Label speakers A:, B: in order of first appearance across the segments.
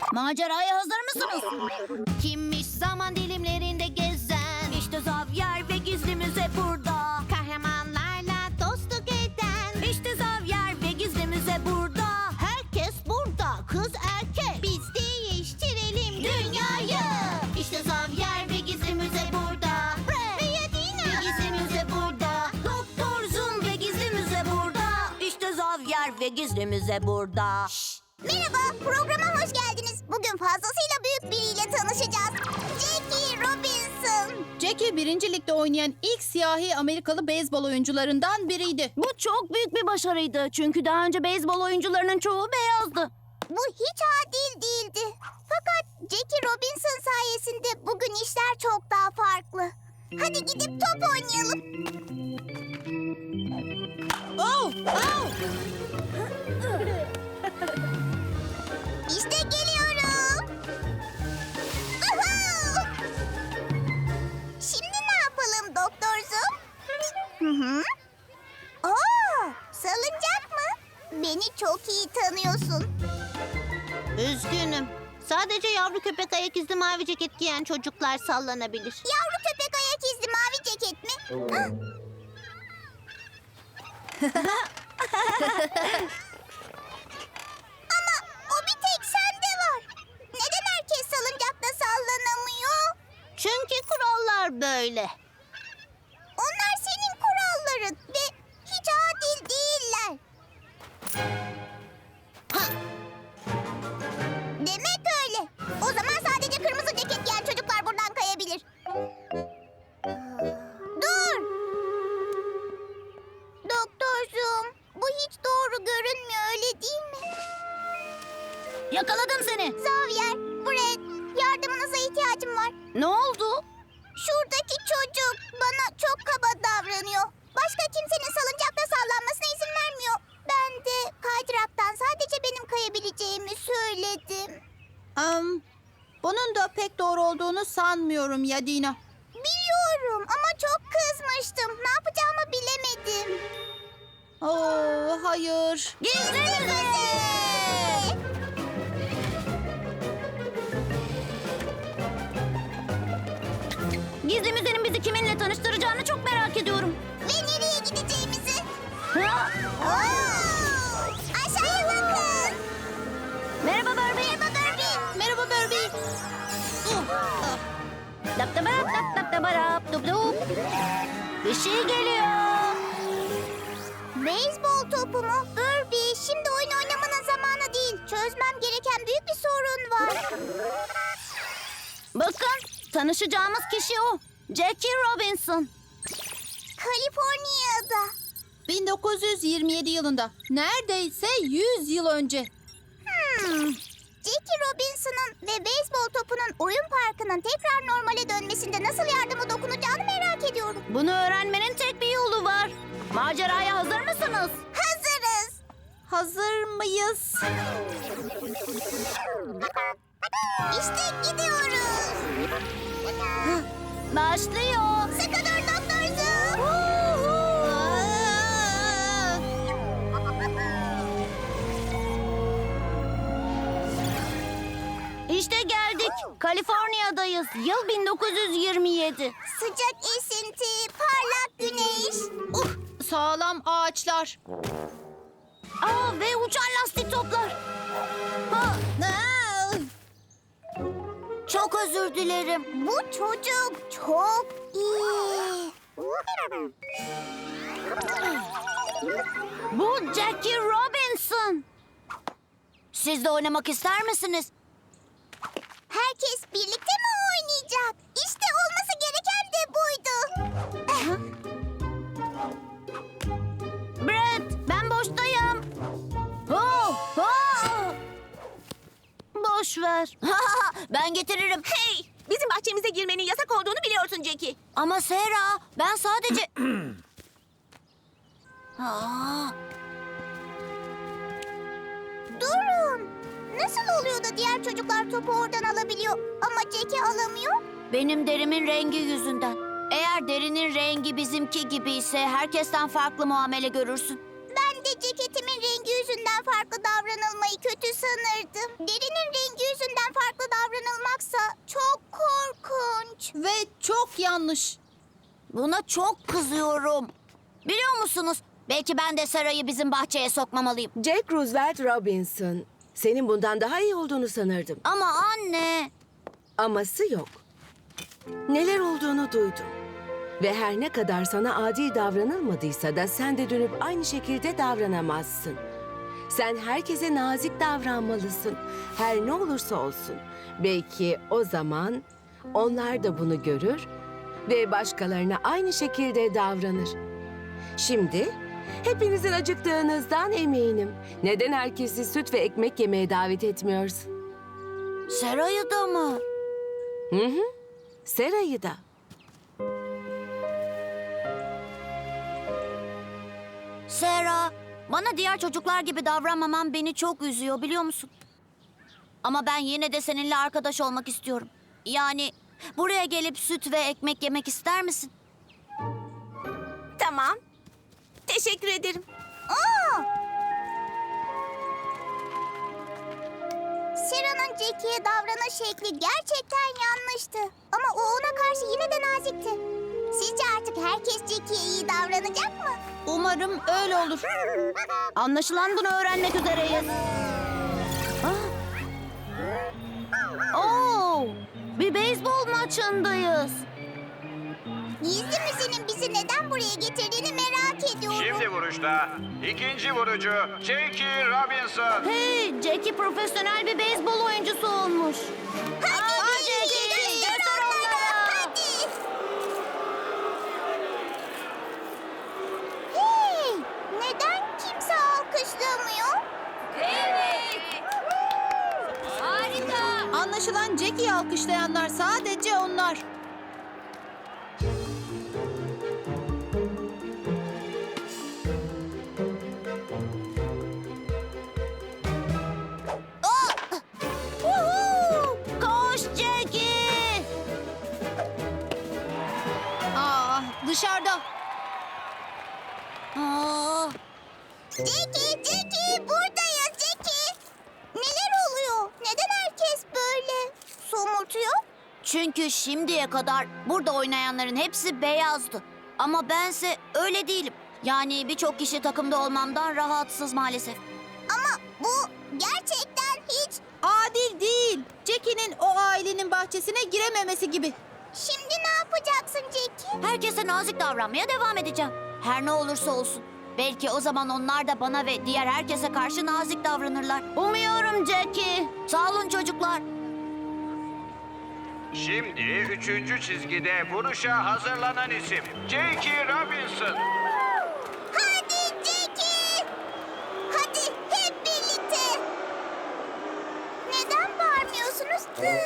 A: Maceraya hazır mısınız?
B: Kimmiş zaman dilimlerinde gezen? İşte Xavier ve gizli müze burada. Kahramanlarla dostluk eden. İşte Xavier ve gizli müze burada. Herkes burada, kız erkek. Biz değiştirelim dünyayı. İşte Xavier ve gizli müze burada. Ve Yadina ve gizli müze burada. Doktor Zoom ve gizli müze burada. İşte Xavier ve gizli müze burada.
C: Merhaba, programa hoş geldiniz. Bugün fazlasıyla büyük biriyle tanışacağız. Jackie Robinson.
D: Jackie 1. Ligde oynayan ilk siyahi Amerikalı beyzbol oyuncularından biriydi.
A: Bu çok büyük bir başarıydı. Çünkü daha önce beyzbol oyuncularının çoğu beyazdı.
C: Bu hiç adil değildi. Fakat Jackie Robinson sayesinde bugün işler çok daha farklı. Hadi gidip top oynayalım.
D: Oh! Oh!
C: İşte geliyorum. Uhu! Şimdi ne yapalım Doktor Zoom? Oo, salıncak mı? Beni çok iyi tanıyorsun.
B: Üzgünüm. Sadece yavru köpek ayak izli mavi ceket giyen çocuklar sallanabilir.
C: Yavru köpek ayak izli mavi ceket mi? Ama o bir tek sende var. Neden herkes salıncakta sallanamıyor?
B: Çünkü kurallar böyle.
C: Onlar senin kuralların ve hiç adil değiller. Demek öyle. O zaman sadece kırmızı ceket giyen çocuklar buradan kayabilir. Dur. Doktor Zoom, bu hiç doğru görünmüyor, öyle değil mi?
A: Yakaladım seni.
C: Xavier, Brett, yardımınıza ihtiyacım var.
A: Ne oldu?
C: Şuradaki çocuk bana çok kaba davranıyor. Başka kimsenin salıncakta sallanmasına izin vermiyor. Ben de kaydıraktan sadece benim kayabileceğimi söyledim.
D: Bunun da pek doğru olduğunu sanmıyorum Yadina.
C: Biliyorum ama çok kızmıştım. Ne yapacağımı bilemedim.
D: Oo, hayır.
C: Gizli müze!
A: Gizli müzenin bizi kiminle tanıştıracağını çok merak ediyorum.
C: Ve nereye gideceğimizi?
A: Ha?
C: Oo! Aşağıya bakın.
A: Merhaba Barbie.
C: Merhaba Barbie.
D: Merhaba Barbie.
A: Dap da barap, dap dap da barap, dup dup. Bir şey geliyor.
C: Beyzbol topu mu? Barbie, şimdi oyun oynamanın zamanı değil. Çözmem gereken büyük bir sorun var.
A: Bakın, tanışacağımız kişi o. Jackie Robinson.
C: Kaliforniya'da.
D: 1927 yılında. Neredeyse 100 yıl önce.
C: Jackie Robinson'ın ve beyzbol topunun oyun parkının tekrar normale dönmesinde nasıl yardımı dokunacağını merak ediyorum.
A: Bunu öğrenmenin tek bir yolu var. Maceraya hazır mısınız?
C: Hazırız.
D: Hazır mıyız?
C: İşte gidiyoruz.
A: Başlıyor.
C: Sıkı dur Doktor Zoom.
A: İşte geldik. Kaliforniya'dayız. Yıl 1927.
C: Sıcak esinti, parlak güneş.
D: Sağlam ağaçlar.
A: Aa, ve uçan lastik toplar. Ha, çok özür dilerim.
C: Bu çocuk çok iyi.
A: Bu Jackie Robinson. Siz de oynamak ister misiniz?
C: Herkes birlikte mi oynayacak? İşte olması gereken de buydu.
A: Brett, ben boştayım. Oh, oh. Boş ver. Ben getiririm.
B: Hey! Bizim bahçemize girmenin yasak olduğunu biliyorsun Jackie.
A: Ama Sera, ben sadece... Aa,
C: Durun. Nasıl oluyor da diğer çocuklar topu oradan alabiliyor ama Jackie alamıyor?
A: benim derimin rengi yüzünden. Eğer derinin rengi bizimki gibi ise herkesten farklı muamele görürsün.
C: Ben de ceketimin rengi yüzünden farklı davranılmayı kötü sanırdım. Derinin rengi yüzünden
D: ve çok yanlış.
A: Buna çok kızıyorum. Biliyor musunuz? Belki ben de Sara'yı bizim bahçeye sokmamalıyım.
E: Jack Roosevelt Robinson. Senin bundan daha iyi olduğunu sanırdım.
A: Ama anne...
E: Aması yok. Neler olduğunu duydum. Ve her ne kadar sana adil davranılmadıysa da sen de dönüp aynı şekilde davranamazsın. Sen herkese nazik davranmalısın. Her ne olursa olsun. Belki o zaman onlar da bunu görür ve başkalarına aynı şekilde davranır. Şimdi hepinizin acıktığınızdan eminim. Neden herkesi süt ve ekmek yemeye davet etmiyorsun?
A: Sara'yı da mı?
E: Hı hı. Sera'yı da.
A: Sera, bana diğer çocuklar gibi davranmaman beni çok üzüyor biliyor musun? Ama ben yine de seninle arkadaş olmak istiyorum. Yani buraya gelip süt ve ekmek yemek ister misin?
E: Tamam. Teşekkür ederim.
C: Sera'nın Jackie'ye davranış şekli gerçekten yanlıştı. Ama o ona karşı yine de nazikti. Sizce artık herkes Jackie'ye iyi davranacak mı?
A: Umarım öyle olur. Anlaşılan bunu öğrenmek üzereyiz. Oo, bir beyzbol maçındayız.
C: Gizli müzenin bizi neden buraya getirdiğini merak ediyorum.
F: Şimdi vuruşta ikinci vurucu Jackie Robinson.
A: Hey, Jackie profesyonel bir beyzbol oyuncusu olmuş.
C: Hadi
A: Jackie,
C: göster
A: göster
C: onlara.
A: onlara.
C: Hadi. Hey, neden kimse alkışlamıyor?
A: Harika.
D: Anlaşılan Jackie'yi alkışlayanlar sadece onlar.
A: Koş Jackie.
D: Dışarıda.
A: Aa,
C: Jackie, buradayız Jackie. Neler oluyor? Neden herkes böyle somurtuyor?
A: çünkü şimdiye kadar burada oynayanların hepsi beyazdı. Ama bense öyle değilim. Yani birçok kişi takımda olmamdan rahatsız maalesef.
C: Ama bu gerçekten hiç...
D: Adil değil. Jackie'nin o ailenin bahçesine girememesi gibi.
C: Şimdi ne yapacaksın Jackie?
A: Herkese nazik davranmaya devam edeceğim. Her ne olursa olsun. Belki o zaman onlar da bana ve diğer herkese karşı nazik davranırlar. Umuyorum Jackie. Sağ olun çocuklar.
F: Şimdi üçüncü çizgide vuruşa hazırlanan isim Jackie Robinson.
C: Hadi Jackie! Hadi hep birlikte! Neden bağırmıyorsunuz?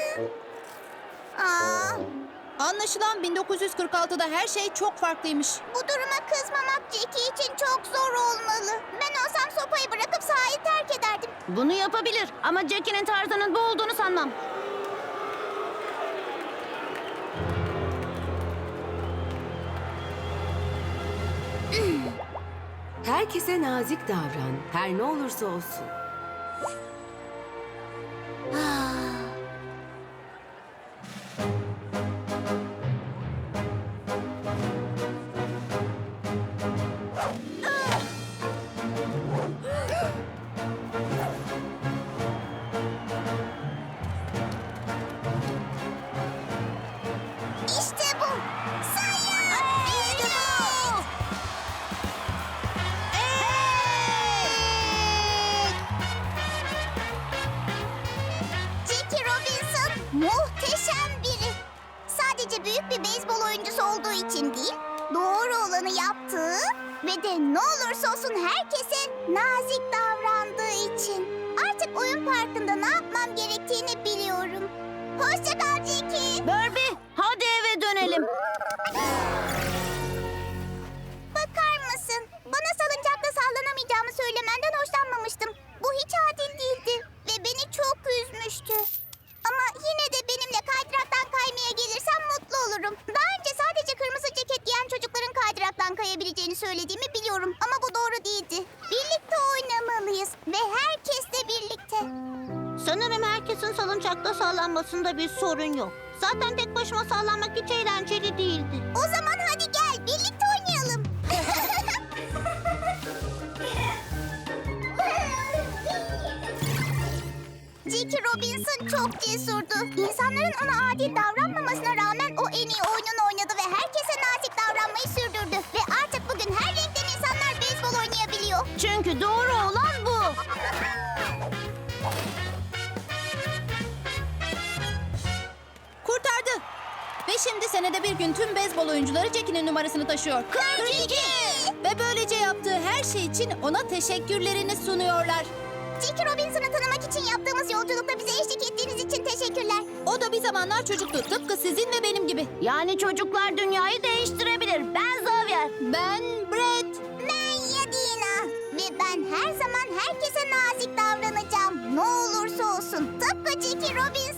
C: Aa,
D: Anlaşılan 1946'da her şey çok farklıymış.
C: bu duruma kızmamak Jackie için çok zor olmalı. Ben olsam sopayı bırakıp sahayı terk ederdim.
A: Bunu yapabilir ama Jackie'nin tarzının bu olduğunu sanmam.
E: Herkese nazik davran. Her ne olursa olsun.
C: İşte bu! Sayın! İşte bu! Jackie Robinson muhteşem biri. Sadece büyük bir beyzbol oyuncusu olduğu için değil, doğru olanı yaptığı ve de ne olursa olsun herkese nazik davrandığı için. Artık oyun parkında ne yapmam gerektiğini biliyorum. Hoşça kal Jackie.
A: Barbie, hadi eve dönelim.
C: Bakar mısın? Bana salıncakta sallanamayacağımı söylemenden hoşlanmamıştım. Bu hiç adil değildi ve beni çok üzmüştü. Ama yine de benimle kaydıraktan kaymaya gelirsen mutlu olurum. Daha önce sadece kırmızı ceket giyen çocukların kaydıraktan kayabileceğini söylediğimi biliyorum. Ama bu doğru değildi. Birlikte oynamalıyız ve herkesle birlikte.
B: salıncakta sallanmasında bir sorun yok. Zaten tek başıma sallanmak hiç eğlenceli değildi.
C: O zaman hadi gel birlikte oynayalım. Jackie Robinson çok cesurdu. İnsanların ona adil davranmamasına rağmen o en iyi oyununu oynadı ve herkese nazik davranmayı sürdürdü. Ve artık bugün her renkten insanlar beyzbol oynayabiliyor.
B: Çünkü doğru olan bu.
D: Kurtardı. Ve şimdi senede bir gün tüm beyzbol oyuncuları Jackie'nin numarasını taşıyor.
C: 42!
D: Ve böylece yaptığı her şey için ona teşekkürlerini sunuyorlar.
C: Jackie Robinson'ı tanımak için yaptığımız yolculukta bize eşlik ettiğiniz için teşekkürler.
D: O da bir zamanlar çocuktu. Tıpkı sizin ve benim gibi.
A: Yani çocuklar dünyayı değiştirebilir. Ben Xavier.
D: Ben Brett.
C: Ben Yadina ve ben her zaman herkese nazik davranacağım. Ne olursa olsun. Tıpkı Jackie Robinson